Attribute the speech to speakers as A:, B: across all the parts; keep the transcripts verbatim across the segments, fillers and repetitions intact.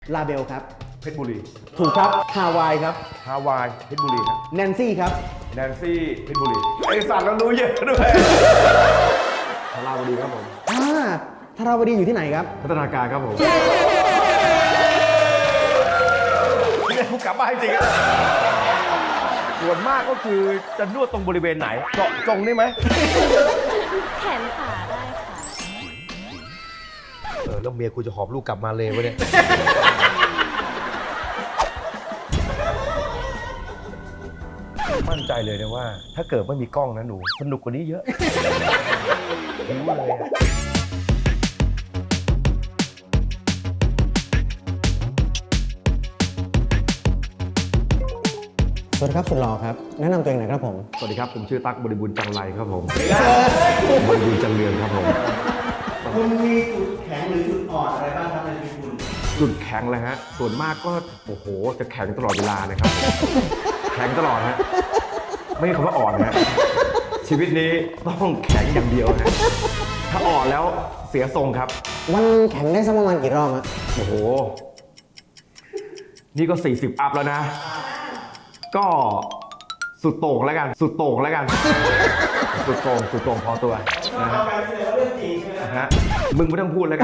A: ลาเบลครับ
B: เพชรบุรี
A: ถูกครับฮาวายครับ
B: ฮาวายเพชรบุรีครับ
A: แนนซี่ครับ
B: แนนซี่เพชรบุรีไอสัตว์เรารู้เยอะด้วยธาราวดีครับผม
A: อ่าธาราวดีอยู่ที่ไหนครับ
B: พัฒนาการครับผมนี่กูกลับบ้านจริงอะส่วนมากก็คือจะนวดตรงบริเวณไหนเจาะจงได้ไหม
C: แขนขาได้ค่ะ
B: เออแล้วเมียกูจะหอบลูกกลับมาเลยวะเนี่ยมั่นใจเลยนะว่าถ้าเกิดไม่มีกล้องนะหนูสนุกกว่านี้เยอะรู้เลยอะ
A: สวัสดีครับสุดหล่อครับแนะนำตัวเองหน่อยครับผม
B: สวัสดีครับผมชื่อตั๊กบริบูรณ์จังไรครับผมบริบูรณ์จังเรืองครับผม
A: คุณมีจุดแข็งหรือจุดอ่อนอะไรบ้างครับในชีวิตคุณ
B: จุดแข็งเลยฮะส่วนมากก็โอ้โหจะแข็งตลอดเวลานะครับแข็งตลอดฮะไม่ใช่คำว่าอ่อนฮะชีวิตนี้ต้องแข็งอย่างเดียวฮะถ้าอ่อนแล้วเสียทรงครับ
A: วันแข็งได้สักประมาณกี่รอบฮะ
B: โอ้โหนี่ก็สี่สิบอัพแล้วนะก็สุดโต่งแล้วกันสุดโต่งแล้วกันสุดโต่งสุดโต่งพอตัวนะฮะนะฮะมึงไม่ต้องพูดแล้วกัน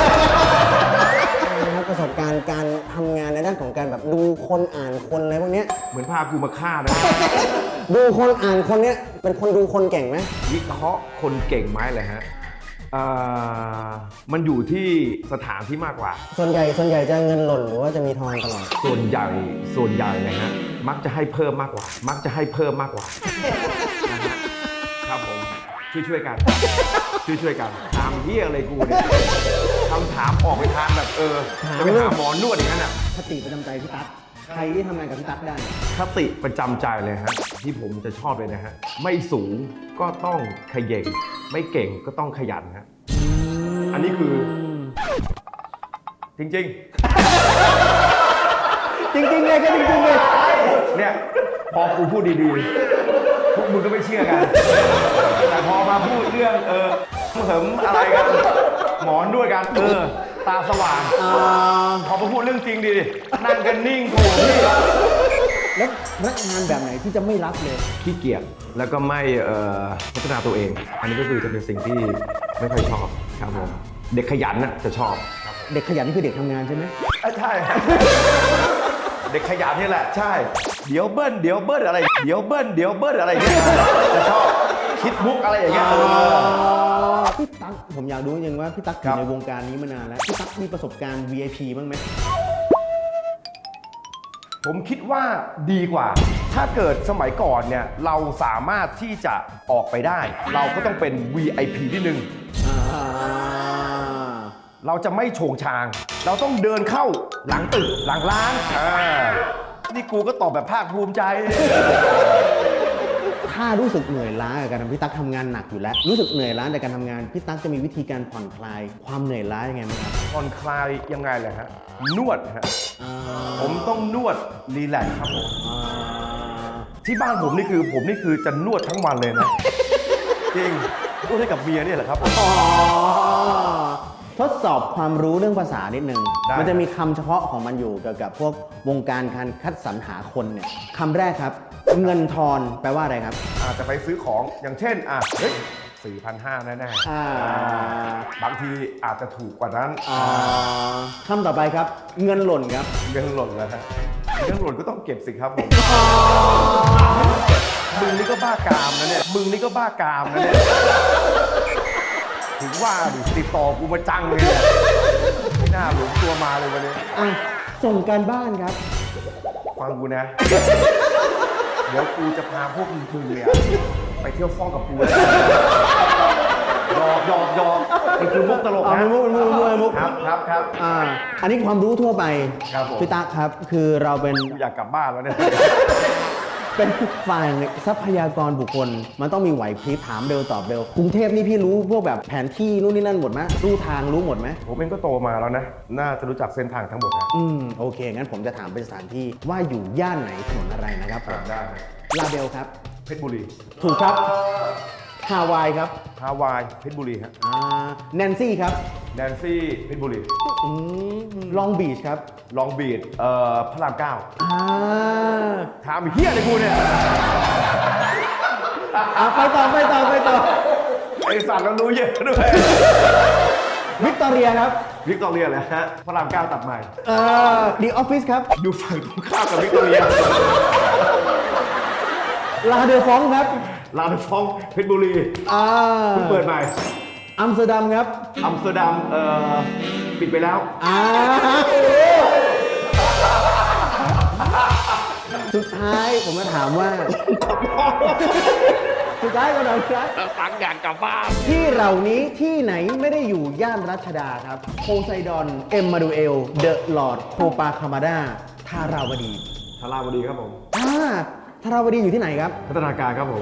A: นะครับประสบการณ์การทำงานในด้านของการแบบดูคนอ่านคนอะไรพวกนี้
B: เหมือนพากูมาฆ่านะ
A: ดูคนอ่านคนเนี้ยเป็นคนดูคนเก่งไหม
B: วิเคราะห์คนเก่งไหมเลยฮะมันอยู่ที่สถานที่มากกว่า
A: ส่วนใหญ่ส่วนใหญ่จะเงินหล่นหรือว่าจะมีทองตลอด
B: ส่วนใหญ่ส่วนใหญ่เลยฮะมักจะให้เพิ่มมากกว่ามักจะให้เพิ่มมากกว่านะฮะครับผมช่วยช่วยกันช่วยช่วยกันถามเหี้ยอะไรกูเนี่ยคำถามออกไปทางแบบเออจะไปหาหมอนวดอย่างนั้นอ่ะ
A: คติประจำใจพี่ตั๊กใครที่ทำงานกับพี่ตั๊กได้
B: คติประจำใจเลยฮะที่ผมจะชอบเลยนะฮะไม่สูงก็ต้องขยันไม่เก่งก็ต้องขยันฮะอันนี้คือจริงจริง
A: จริงจริงเลยก็จริงจริงเลย
B: เนี่ยพอกูพูดดีๆพวกมึงก็ไม่เชื่อกันแต่พอมาพูดเรื่องเออเสริมอะไรกันหมอนด้วยกันเออตาสว่างพอมาพูดเรื่องจริงดีนั่งกันนิ่งโง่พี่
A: แล้วพนักงานแบบไหนที่จะไม่รับเลย
B: ขี้เกียจแล้วก็ไม่พัฒนาตัวเองอันนี้ก็คือจะเป็นสิ่งที่ไม่ค่อยชอบครับผมเด็กขยันน่ะจะชอบ
A: เด็กขยันนี่คือเด็กทำงานใช่ไหม
B: ใช่เด็กขยันนี่แหละใช่เดี๋ยวเบิ้ลเดี๋ยวเบิ้ลอะไรเดี๋ยวเบิ้ลเดี๋ยวเบิ้ลอะไรเงี้ยจะชอบคิดมุกอะไรอย่างเงี้ย
A: พี่ตั๊กผมอยากรู้จริงว่าพี่ตั๊กอยู่ในวงการนี้มานานแล้วพี่ตั๊กมีประสบการณ์ วี ไอ พี บ้างไหม
B: ผมคิดว่าดีกว่าถ้าเกิดสมัยก่อนเนี่ยเราสามารถที่จะออกไปได้เราก็ต้องเป็น วี ไอ พี นิดนึงเราจะไม่โฉงชางเราต้องเดินเข้าหลังตึกหลังร้านนี่กูก็ตอบแบบภาคภูมิใจ
A: ถ้ารู้สึกเหนื่อยล้ากับการทำพี่ตั๊กทำงานหนักอยู่แล้วรู้สึกเหนื่อยล้าในการทำงานพี่ตั๊กจะมีวิธีการผ่อนคลายความเหนื่อยล้ายังไงไหมครับ
B: ผ่อนคลายยังไงเลยฮะนวดฮะผมต้องนวดรีแลกซ์ครับผมที่บ้านผมนี่คือผมนี่คือจะนวดทั้งวันเลยนะจริงนวดให้กับเมียนี่แหละครับ
A: ทดสอบความรู้เรื่องภาษานิดนึงมันจะมีคำเฉพาะของมันอยู่เกี่ยวกับพวกวงการการคัดสรรหาคนเนี่ยคำแรกครับเงินทอนแปลว่าอะไรครับ
B: อาจจะไปซื้อของอย่างเช่นอ่ะเฮ้ยสี่พันห้าแน่ๆบางทีอาจจะถูกกว่านั้น
A: คำต่อไปครับเงินหล่นครับ
B: เงินหล่นแล้วฮะเงินหล่นก็ต้องเก็บสิครับผมมึงนี่ก็บ้ากามนะเนี่ยมึงนี่ก็บ้ากามนะเนี่ยถึงว่าดิติดต่อกูมาจังเลยเนี่ยไม่น่าหลงตัวมาเลยวันนี้
A: อ่ะส่งการบ้านครับ
B: ฟังกูนะเดี๋ยวกูจะพาพวกมึงเนี่ยไปเที่ยวฟ้องกับกูหยอกหยอกหยอกนี่คือมุกตลกนะ
A: มุกมุกมุกมุก
B: ครับครับครับ
A: อ่าอันนี้ความรู้ทั่วไปพี่ตั๊กครับคือเราเป็น
B: อยากกลับบ้านแล้วเนี่ย
A: เป็นฝ่ายทรัพยากรบุคคลมันต้องมีไหวพริบถามเร็วตอบเร็วกรุงเทพนี่พี่รู้พวกแบบแผนที่นู่นนี่นั่นหมดไหมรู้ทางรู้หมดไหม
B: ผมเองก็โตมาแล้วนะน่าจะรู้จักเส้นทางทั้งหมดนะ
A: อืมโอเคงั้นผมจะถามเป็นสถานที่ว่าอยู่ย่านไหนถนนอะไรนะครับ
B: ได้
A: ลาเบลครับ
B: เพชรบุรี
A: ถูกครับฮาวายครับ
B: ฮาวายเพชรบุรีฮะ
A: อ่าแนนซี่ครับ
B: แนนซี่เพชรบุรี
A: ลองบีชครับ
B: ลองบีดเอ่อพระรามเก้า
A: อ่า
B: ถามไอ้เฮียอะไรกูเนี่ย
A: อ่ะไปต่อไปต่อไปต่อ
B: ไอสัตว์เรารู้เยอะด้วย
A: วิกตอเรียครับ
B: วิกตอเรียแหละฮะพระรามเก้าตัดใหม่
A: เอ่อดีออฟฟิศครับ
B: อยู่ฝั่งตรงข้ามกับวิกตอเรีย
A: ลาเดอฟองครับ
B: ลาดฟองเพชรบุรี
A: อ่า
B: เพิ่งเปิดใหม่
A: อัมสเตอร์ดัมครับ
B: อัมสเตอร์ดัมเอ่อปิดไปแล้ว
A: อ่าสุดท้ายผมจะถามว่า สุดท้ายก็หน่อยครับ
B: ตังอยากกลับบ้าน
A: ที่เหล่านี้ที่ไหนไม่ได้อยู่ย่านรัชดาครับ โพไซดอน เอ็มมาดูเอล เดอะลอร์ด โคปาคามาดาทาราวดี
B: ทาราวดีครับผม
A: อ่าทาราวดีอยู่ที่ไหนครับ
B: พัฒนาการครับผม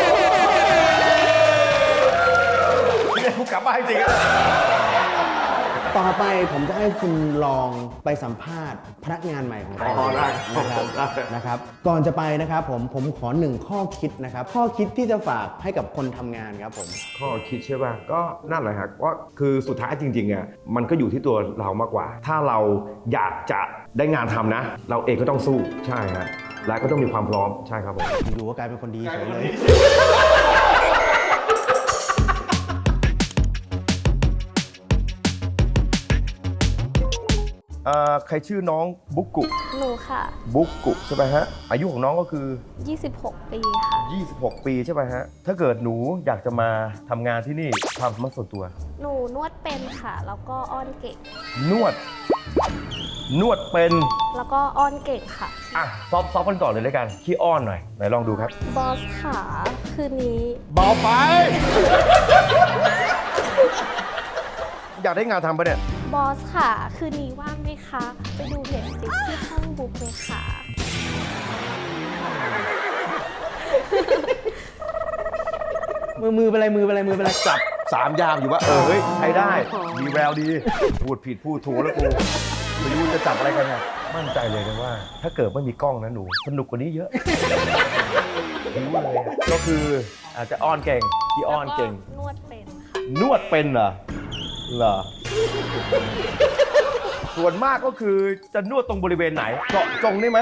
B: เนี่ยกูกลับบ้านจริงๆอะ
A: ต่อไปผมจะให้คุณลองไปสัมภาษณ์พนักงานใหม่ของเรา
B: อ๋อได้ค
A: นะค
B: รั
A: รั
B: บบ ได้
A: นะครับ ก่อนจะไปนะครับผมผมขอหนึ่งข้อคิดนะครับ ข้อคิดที่จะฝากให้กับคนทำงานครับผม
B: ข้อคิดใช่ป่ะก็นั่นแหละครับว่าคือสุดท้ายจริงๆอ่ะมันก็อยู่ที่ตัวเรามากกว่า ถ้าเราอยากจะได้งานทำนะ เราเองก็ต้องสู้ใช่ครับและก็ต้องมีความพร้อมใช่ครับผม
A: อยู่ๆก็กลายเป็นคนดีเฉยเลย
B: เอ่อใครชื่อน้องบุกกุ
C: หนูค่ะ
B: บุกกุใช่ไหมฮะอายุของน้องก็คือ
C: ยี่สิบหก ปีค่ะ
B: ยี่สิบหก ปีใช่ไหมฮะถ้าเกิดหนูอยากจะมาทำงานที่นี่ความสามารถส่วนตัว
C: หนูนวดเป็นค่ะ แล้วก็อ้อนเก่ง
B: นวด นวดเป็น
C: แล้วก็อ้อนเก่งค่ะ
B: อ่ะซอฟซอฟกันก่อนเลยแล้วกันขี้อ้อนหน่อยไหนลองดูครับ
C: บอสขาคืนนี้
B: เบาไป อยากได้งานทำปะเนี่ย
C: บอสค่ะคืนนี้ว่างไหมคะ ไปดูเน็ตฟลิกที่ห้องบุ๊กเลยค่ะ
A: มือมือเป็นไรมือเป็นไรมือเป็นไร
B: จับสามยามอยู่ว่าเออเฮ้ยใช้ได้มีแววดี พูดผิดพูดถูกแล้วกูไม่รู้จะจับอะไรกันเนี่ยมั่นใจเลยนะว่า ถ้าเกิดไม่มีกล้องนะหนูสนุกกว่านี้เยอะรู้เลยอะก็คืออาจจะอ้อนเก่งที่อ้อนเก่ง
C: แล้วนวดเป็นค่ะ
B: นวดเป็นเหรอเหรอ ส่วนมากก็คือจะนวดตรงบริเวณไหนเจาะจงได้ไหม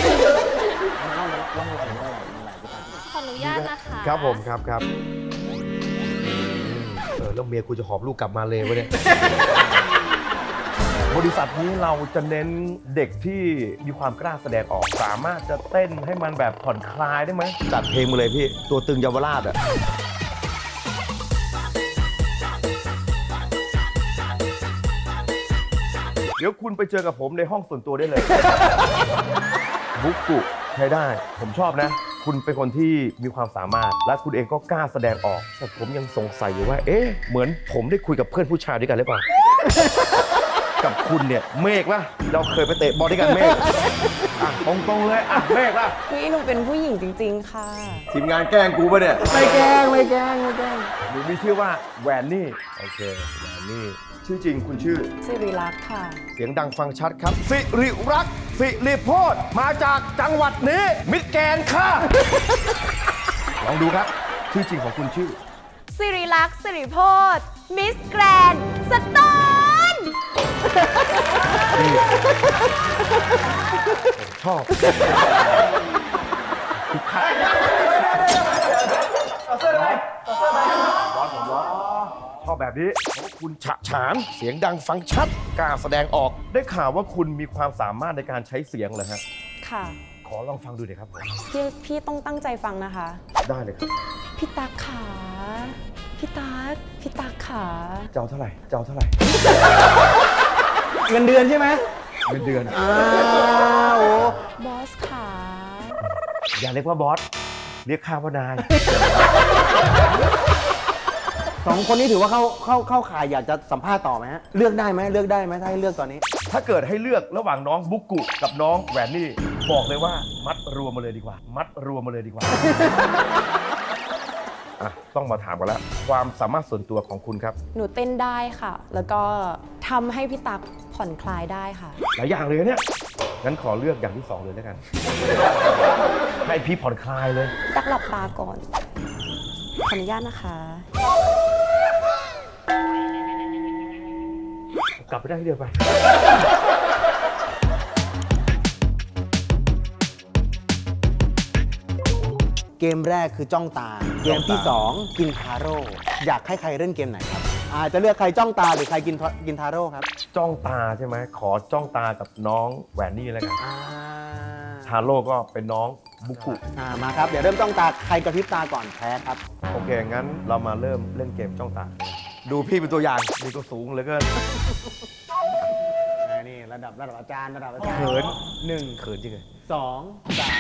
C: ขออนุญาตนะคะ
B: ครับผมครับครับเออแล้วเมียกูจะหอบลูกกลับมาเลยวะเนี่ย บริษัทนี้เราจะเน้นเด็กที่มีความกล้าแสดงออก สามารถจะเต้นให้มันแบบผ่อนคลายได้ไหมจัดเพลงมาเลยพี่ ตัวตึงเยาวราชอ่ะ เดี๋ยวคุณไปเจอกับผมในห้องส่วนตัวได้เลย บุกกุใช้ได้ ผมชอบนะ คุณเป็นคนที่มีความสามารถ และคุณเองก็กล้าแสดงออก แต่ผมยังสงสัยอยู่ว่า เอ๊ะ เหมือนผมได้คุยกับเพื่อนผู้ชายด้วยกันหรือเปล่า กับคุณเนี่ย เมฆป่ะ เราเคยไปเตะบอลด้วยกันเมฆอ่ะตรงๆเลย อ่ะ เมฆป่ะ
D: พี่หนูเป็นผู้หญิงจริงๆค่ะ
B: ทีมงานแกล้งกูป่ะเนี่ย
A: ไม่แกล้งไม่แกล้งไม่แกล้ง
B: หนูมีชื่อว่าแวนนี่ โอเค แวนนี่ ชื่อจริงคุณชื่อ
D: สิริรักษ์ค่ะ
B: เสียงดังฟังชัดครับ สิริรักษ์สิริโพธมาจากจังหวัดนี้ มิตรแกนค่ะ ลองดูครับ ชื่อจริงของคุณชื่อ
C: สิริลักษณ์สิริโพธมิสแกรนด์สโตน
B: ชอบชอบแบบนี้เพราะว่าคุณฉะฉานเสียงดังฟังชัดกล้าแสดงออก ได้ข่าวว่าคุณมีความสามารถในการใช้เสียงเหรอฮะ
D: ค่ะ
B: ขอลองฟังดูหน่อยครับผม
D: พี่พี่ต้องตั้งใจฟังนะคะ
B: ได้เลยครับ
D: พี่ตั๊กขาพี่ตั๊กพี่ตั๊กขา
B: เจ้าเท่าไหร่เจ้าเท่าไหร่
A: เงินเดือนใช่ไหม
B: เงินเดือน
A: อ้าวโอ้
D: บอสขา
B: อย่าเรียกว่าบอส เรียกข้าว่านาย
A: สองคนนี้ถือว่าเข้าเข้าเข้าข่ายอยากจะสัมภาษณ์ต่อไหมฮะ เลือกได้ไหมเลือกได้ไหมถ้าให้เลือกตอนนี้
B: ถ้าเกิดให้เลือกระหว่างน้องบุกกุกับน้องแหวนนี่ บอกเลยว่ามัดรวมมาเลยดีกว่า มัดรวมมาเลยดีกว่า อ่ะต้องมาถามกันแล้ว ความสามารถส่วนตัวของคุณครับ
D: หนูเต้นได้ค่ะ แล้วก็ทำให้พี่ตั๊กผ่อนคลายได้ค่ะ
B: หลายอย่างเลยเนี่ย งั้นขอเลือกอย่างที่สองเลยแล้วกัน ให้พี่ผ่อนคลายเลย
D: ตั๊กหลับตาก่อนขออนุญาตนะคะ
B: กลับไปได้ที่เดียวไป
A: เกมแรกคือจ้องตา เกมที่สองกินทาโร่อยากให้ใครเล่นเกมไหนครับอาจจะเลือกใครจ้องตาหรือใครกินทากินทาโร่ครับ
B: จ้องตาใช่ไหม ขอจ้องตากับน้องแหวนนี่แล้วกัน
A: อ่า
B: ทาโร่ก็เป็นน้องบุกุ
A: อ่ามาครับเดี๋ยวเริ่มจ้องตาใครกระพริบตาก่อนแพ้ครับ
B: โอเค งั้นเรามาเริ่มเล่นเกมจ้องตา ดูพี่เป็นตัวอย่างนี่ก็สูงเหลือเกิน
A: อ่านี่ระดับระดับอาจารย์ระดับอาจารย์
B: เขิน
A: หนึ่ง
B: เขินจริงเลย
A: สองสาม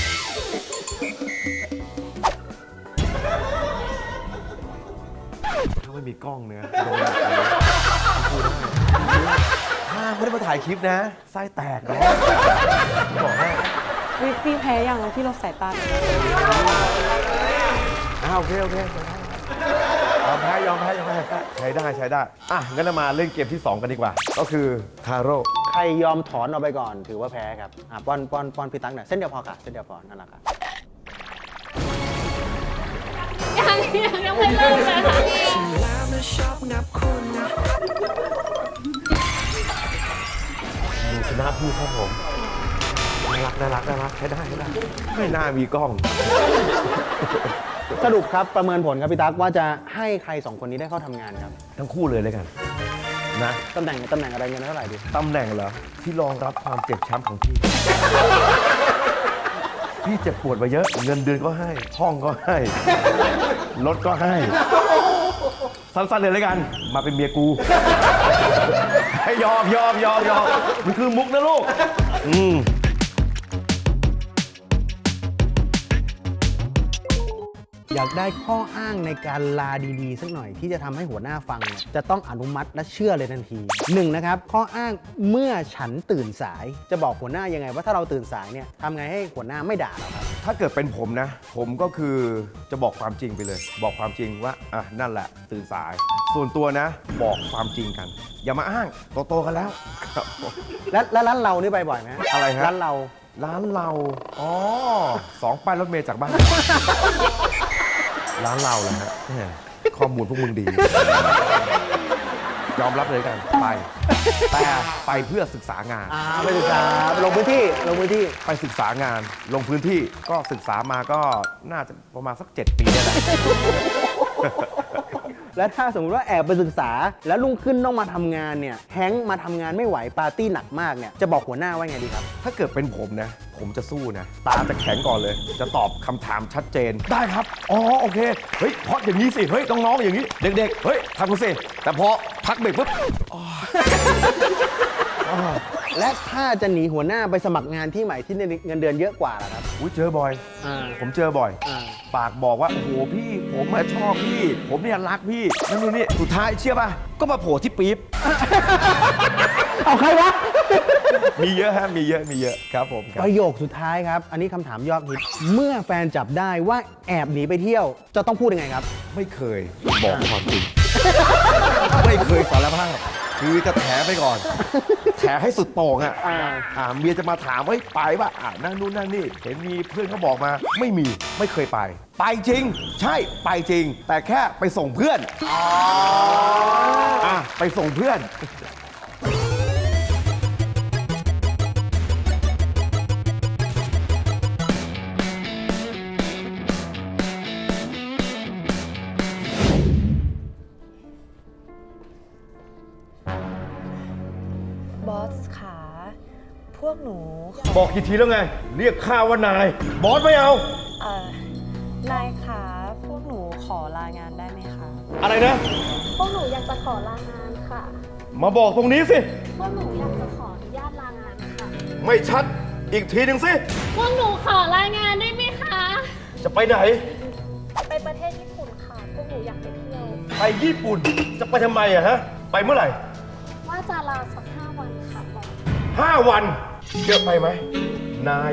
B: ถ้าไม่มีกล้องเนี่ยโดนแบบนี้พูดได้ถ้าไม่ได้มาถ่ายคลิปนะ ไส้แตกนะบอกให้
D: วิพี่แพ้ยังพี่ลดสายตาหน่อย
B: อ่าโอเค โอเคยอมแพ้ยอมแพ้ยอมแพ้ใช้ได้ใช้ได้ อ่ะ งั้นเรามาเล่นเกมที่ สอง กันดีกว่า ก็คือทาโร่
A: ใครยอมถอนออกไปก่อนถือว่าแพ้ครับอ่าป้อนป้อนป้อนพี่ตั๊กหน่อยเส้นเดียวพอค่ะเส้นเดียวพอนั่นแหละครับ
C: ยังยังยังไม่เริ่มเลยค่ะ
B: ดูชนะพี่ครับผมน่ารักน่ารักน่ารักใช้ได้ใช้ได้ไม่น่ามีกล้อง
A: สรุปครับประเมินผลครับพี่ตั๊กว่าจะให้ใครสองคนนี้ได้เข้าทำงานครับ
B: ทั้งคู่เลยเลยกัน นะ
A: ตำแหน่งตำแหน่งอะไรเงินเท่าไหร่ดี
B: ตำแหน่งเหรอ ที่รองรับความเจ็บช้ำของพี่ พี่เจ็บปวดมาเยอะ เงินเดือนก็ให้ ห้องก็ให้ รถก็ให้ สั้นๆเลยเลยกัน มาเป็นเมียกู ให้ยอมยอมยอมยอมมันคือมุกนะลูก อืม
A: อยากได้ข้ออ้างในการลาดีๆสักหน่อยที่จะทำให้หัวหน้าฟังเนี่ยจะต้องอนุมัติและเชื่อเลยทันทีหนึ่งนะครับข้ออ้างเมื่อฉันตื่นสายจะบอกหัวหน้ายังไงว่าถ้าเราตื่นสายเนี่ยทำไงให้หัวหน้าไม่ด่าเราครับ
B: ถ้าเกิดเป็นผมนะ ผมก็คือจะบอกความจริงไปเลย บอกความจริงว่าอ่ะนั่นแหละตื่นสาย ส่วนตัวนะ บอกความจริงกัน อย่ามาอ้างโตๆกันแล้วครับผม
A: และและร้านเรานี่ไปบ่อยไหม
B: อะไรฮะ
A: ร้านเรา
B: ร้านเรา อ๋อ สองป้ายรถเมล์จากบ้าน ร้านเราแหละฮะแหมข้อมูลพวกมึงดี ยอมรับเลยกัน ไป แต่ไปเพื่อศึกษางาน
A: อ่าไปศึกษาลงพื้นที่ลงพื้นที่
B: ไปศึกษางาน ลงพื้นที่ ก็ศึกษามาก็น่าจะประมาณสักเจ็ดปีได้แหละ
A: และถ้าสมมติว่าแอบไปศึกษา แล้วรุ่งขึ้นต้องมาทำงานเนี่ยแฮงค์มาทำงานไม่ไหวปาร์ตี้หนักมากเนี่ยจะบอกหัวหน้าว่าไงดีครับ
B: ถ้าเกิดเป็นผมนะ ผมจะสู้นะ ตาจะแข็งก่อนเลย จะตอบคำถามชัดเจน ได้ครับ อ๋อ โอเค เฮ้ยเพราะอย่างนี้สิ เฮ้ย น้องๆ อย่างนี้ เด็กๆ เฮ้ยทำกันสิ แต่พอพักเบรกปุ๊บ
A: และถ้าจะหนีหัวหน้าไปสมัครงานที่ใหม่ที่เงินเดือนเยอะกว่าล่ะครับ
B: อุ้ยเจอบ่อย
A: อ่า
B: ผมเจอบ่อย
A: อ่า
B: ปากบอกว่า โอ้โห พี่ ผมมาชอบพี่ ผมเนี่ยรักพี่ นั่นนู่นนี่ สุดท้ายเชื่อป่ะ ก็มาโผล่ที่ปี๊บ
A: เอาใครวะ
B: มีเยอะฮะ มีเยอะ มีเยอะ ครับผมค
A: ป
B: รับ
A: ระโยคสุดท้ายครับ อันนี้คำถามยอดฮิตเมื่อแฟนจับได้ว่าแอบหนีไปเที่ยว จะต้องพูดยังไงครับ
B: ไม่เคยบอกความจริง ไม่เคยสารภาพ คือจะแถไปก่อน แถให้สุดโต่งอ่ะ
A: อ่า
B: อ่าเมียจะมาถามว่าเฮ้ยไปป่ะอ่านั่นนู่นนั่นนี่ เห็นมีเพื่อนเขาบอกมา ไม่มี ไม่เคยไป ไปจริง ใช่ ไปจริง แต่แค่ไปส่งเพื่อนอ่ะไปส่งเพื่อน
D: บอสขาพวกหนูขอ
B: บอกกี่ทีแล้วไง เรียกข้าว่านาย บอสไม่เอา
D: เอ่อนายขาพวกหนูขอลางานได้ไหมคะ
B: อะไรนะ
E: พวกหนูอยากจะขอลางานค่ะ
B: มาบอกตรงนี้สิ
E: พวกหนูอยากจะขออนุญาตลางานค่ะ
B: ไม่ชัด อีกทีหนึ่งสิ
E: พวกหนูขอลางานได้ไหมคะ
B: จะไปไหน
E: ไปประเทศญี่ปุ่นค่ะ พวกหนูอยากไปเที่ยว
B: ไปญี่ปุ่น จะไปทำไมอะฮะ ไปเมื่อไหร่
E: ว่าจะลาสักห้าวันค่ะบอก
B: ห้าวันเยอะไปไหม นาย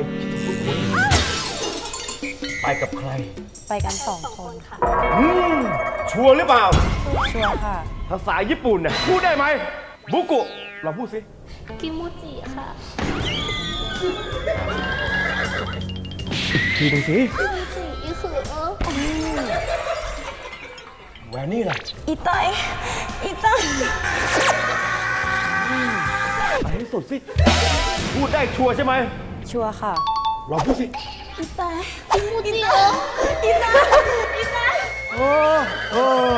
B: ไปกับใคร
D: ไปกันสอง
E: สอง
D: ค
E: คน นค่ะ
B: อืม ชัวร์หรือเปล่า
D: ชัวร์ค่ะ
B: ภาษาญี่ปุ่นเนี่ยพูดได้ไหม บุกุ เราพูดสิ
E: กิมูจิค่ะ
B: ทีหนึ่งสิ
E: กิมูจิอีคือเออ
B: แต่นี่ล่ะ
C: อีเตยอีเตย
B: ไปให้สุดสิ พูดได้ชัวร์ใช่ไหม
D: ชัวร์ค่ะ
B: ลองพูดสิ
C: อีเตยอีเตยอีเตยอีเตย
B: โอ้โอ้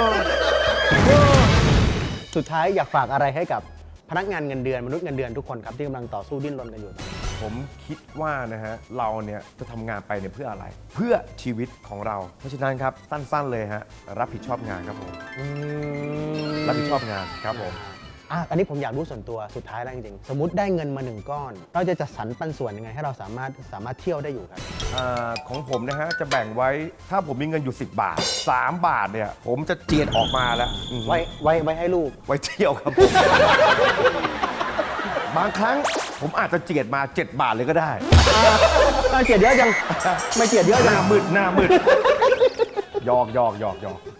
A: สุดท้ายอยากฝากอะไรให้กับพนักงานเงินเดือนมนุษย์เงินเดือนทุกคนครับที่กำลังต่อสู้ดิ้นรนกันอยู่
B: ผมคิดว่านะฮะ เราเนี่ยจะทำงานไปเนี่ยเพื่ออะไร เพื่อชีวิตของเรา เพราะฉะนั้นครับ สั้นๆเลยฮะ รับผิดชอบงานครับผม รับผิดชอบงานครับผม
A: อ่ะอันนี้ผมอยากรู้ส่วนตัวสุดท้ายแล้วจริงๆ สมมติได้เงินมาหนึ่งก้อน เราจะจัดสรรปันส่วนยังไงให้เราสามารถสามารถเที่ยวได้อยู่ครับ
B: อาของผมนะฮะ จะแบ่งไว้ถ้าผมมีเงินอยู่ สิบบาท สาม บาทเนี่ย ผมจะเจียดออกมาแล้วอืม
A: ไว้ไว้ไว้ให้ลูก
B: ไว้เที่ยวครับผม บางครั้งผมอาจจะเจียดมา เจ็ด บาทเลยก็ได้
A: อ่ะเจียดเยอะจัง ไม่เจียดเยอะ
B: ห
A: จัง
B: น้ามืดหน้ามืดหยอกหยอกหยอกหยอก